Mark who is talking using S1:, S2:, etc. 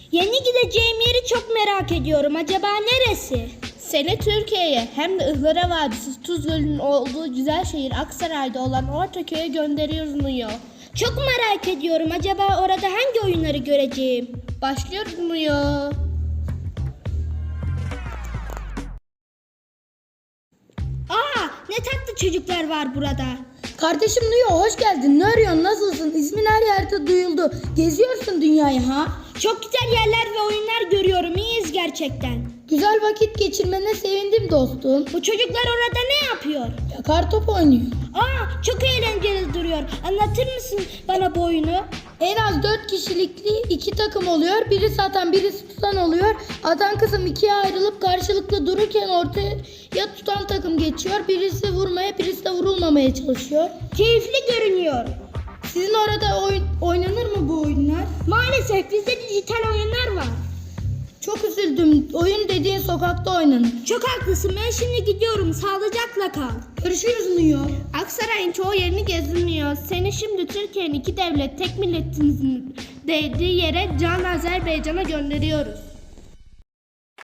S1: Yeni gideceğim yeri çok merak ediyorum. Acaba neresi?
S2: Seni Türkiye'ye hem de Ihlara Vadisi Tuz Gölü'nün olduğu güzel şehir Aksaray'da olan Ortaköy'e gönderiyoruz Nuyo.
S1: Çok merak ediyorum. Acaba orada hangi oyunları göreceğim?
S2: Başlıyoruz Nuyo.
S1: Ne tatlı çocuklar var burada.
S3: Kardeşim Nuyo, hoş geldin. Ne arıyorsun? Nasılsın? İsmin her yerde duyuldu. Geziyorsun dünyayı ha?
S1: Çok güzel yerler ve oyunlar görüyorum. İyiyiz gerçekten.
S3: Güzel vakit geçirmene sevindim dostum.
S1: Bu çocuklar orada ne yapıyor?
S3: Ya kartop oynuyor.
S1: Çok eğlenceli duruyor. Anlatır mısın bana bu oyunu?
S3: En az 4 kişilikli 2 takım oluyor. Birisi atan, birisi tutan oluyor. Atan kısım ikiye ayrılıp karşılıklı dururken ortaya tutan takım geçiyor. Birisi vurmaya, birisi de vurulmamaya çalışıyor.
S1: Keyifli görünüyor.
S3: Sizin orada oynanır mı bu oyunlar?
S1: Maalesef bizde dijital oyunlar var.
S3: Çok üzüldüm. Oyun dediğin sokakta oynanır.
S1: Çok haklısın. Ben şimdi gidiyorum. Sağlıcakla kal.
S3: Görüşürüz Nuyo.
S2: Aksaray'ın çoğu yerini gezdirmiyor. Seni şimdi Türkiye'nin iki devlet tek milletimizin değdiği yere Can Azerbaycan'a gönderiyoruz.